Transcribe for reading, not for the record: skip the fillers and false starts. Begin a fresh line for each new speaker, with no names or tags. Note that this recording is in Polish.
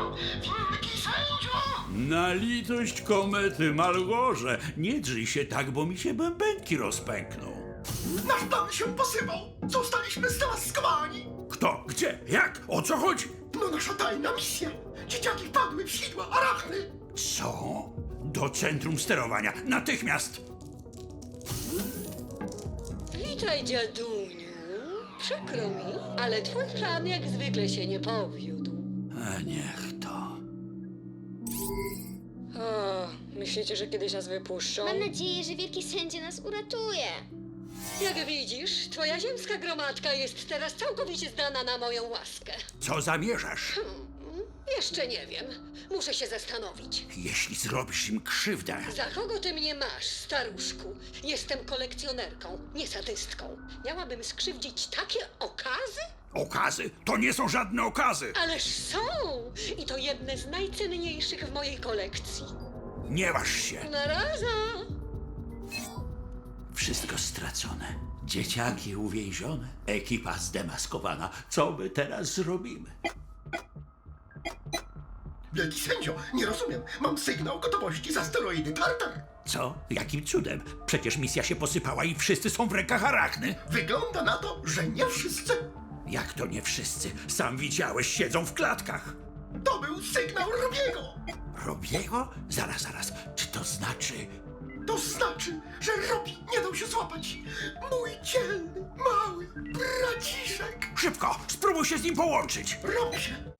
Wielki sędzio!
Na litość komety, Malgorze, nie drzyj się tak, bo mi się bębenki rozpękną.
Nasz plan się posypał! Zostaliśmy zdemaskowani!
Kto? Gdzie? Jak? O co chodzi?
No nasza tajna misja! Dzieciaki wpadły w sidła arachny!
Co? Do centrum sterowania. Natychmiast!
Witaj, dziaduniu. Przykro mi, ale twój plan jak zwykle się nie powiódł.
A niech to.
O, myślicie, że kiedyś nas wypuszczą?
Mam nadzieję, że wielki sędzia nas uratuje.
Jak widzisz, twoja ziemska gromadka jest teraz całkowicie zdana na moją łaskę.
Co zamierzasz?
Jeszcze nie wiem. Muszę się zastanowić.
Jeśli zrobisz im krzywdę,
Za kogo ty mnie masz, staruszku? Jestem kolekcjonerką, nie sadystką. Miałabym skrzywdzić takie okazy?
okazy to nie są żadne okazy!
Ależ są! I to jedne z najcenniejszych w mojej kolekcji.
Nie waż się!
Na razie!
Wszystko stracone. Dzieciaki uwięzione. Ekipa zdemaskowana. Co my teraz zrobimy?
Wielki sędzio, nie rozumiem. Mam sygnał gotowości z asteroidy Tartar.
Co? Jakim cudem? Przecież misja się posypała i wszyscy są w rękach arachny.
Wygląda na to, że nie wszyscy.
Jak to nie wszyscy? Sam widziałeś, siedzą w klatkach.
To był sygnał Robiego.
Robiego? Zaraz. Czy to znaczy...
To znaczy, że Robi nie dał się złapać. Mój dzielny, mały braciszek.
Szybko! Spróbuj się z nim połączyć!
Robi się.